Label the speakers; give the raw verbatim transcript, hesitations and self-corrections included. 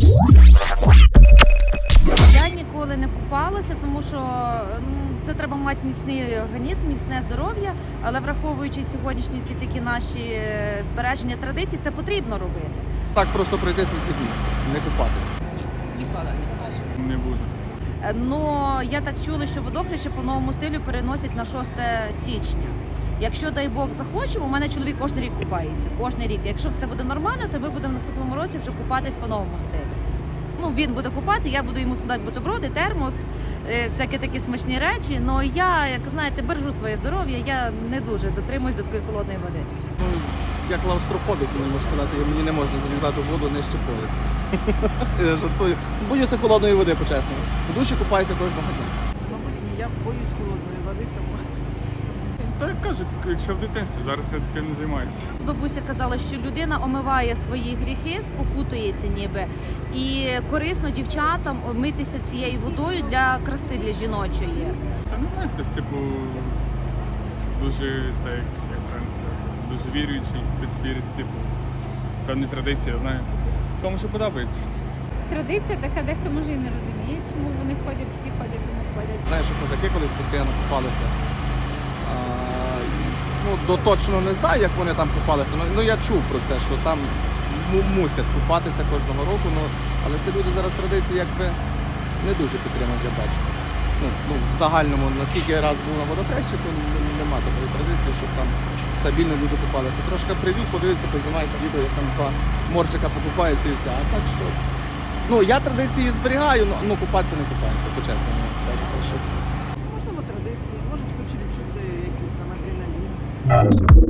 Speaker 1: Я ніколи не купалася, тому що ну, це треба мати міцний організм, міцне здоров'я, але враховуючи сьогоднішні ці такі наші е, збереження традицій, це потрібно робити.
Speaker 2: Так просто пройтися з дітьми, не купатися.
Speaker 1: Ніколи не купаюся.
Speaker 3: Не буду.
Speaker 1: Ну, я так чула, що водохреща по новому стилю переносять на шосте січня. Якщо, дай Бог, захочемо, у мене чоловік кожен рік купається, кожен рік. Якщо все буде нормально, то ми будемо в наступному році вже купатись по новому стилю. Ну, він буде купатися, я буду йому складати бутерброди, термос, е, всякі такі смачні речі. Ну, я, як знаєте, бережу своє здоров'я, я не дуже дотримуюсь до такої холодної води.
Speaker 2: Ну, я клаустрофобік, не можу сказати, мені не можна залізати в воду нижче пояса. Я жартую. Боюся холодної води, по-чесному. В душі купаюся кожного дня.
Speaker 4: Мабуть, ні, я боюсь холодної води, тому
Speaker 3: Та як кажуть, якщо в дитинстві, зараз я таке не займаюся.
Speaker 1: Бабуся казала, що людина омиває свої гріхи, спокутується ніби. І корисно дівчатам митися цією водою для краси, для жіночої.
Speaker 3: Та не знаю, хтось, типу, дуже, так, як як правильно сказати, дуже віруючий, хтось вірить, типу, певні традиції, я знаю. Кому що подобається.
Speaker 5: Традиція така, дехто може і не розуміє, чому вони ходять, всі ходять, тому ходять.
Speaker 2: Знаю, що козаки колись постійно купалися. А, ну, до точно не знаю, як вони там купалися, ну, ну я чув про це, що там му- мусять купатися кожного року, ну, але це люди зараз традиції якби не дуже підтримують, я бачу. Ну, ну, в загальному, наскільки я раз був на водохрещі, то н- нема такої традиції, щоб там стабільно люди купалися. Трошки прийдуть, подивляться, познімають відео, як там два морчика покупаються і все. А так що. Ну, я традиції зберігаю, ну, ну купатися не купаюся, по-чесному скажу. Так що
Speaker 4: можливо традиції, можуть хоч відчути якийсь там адреналін.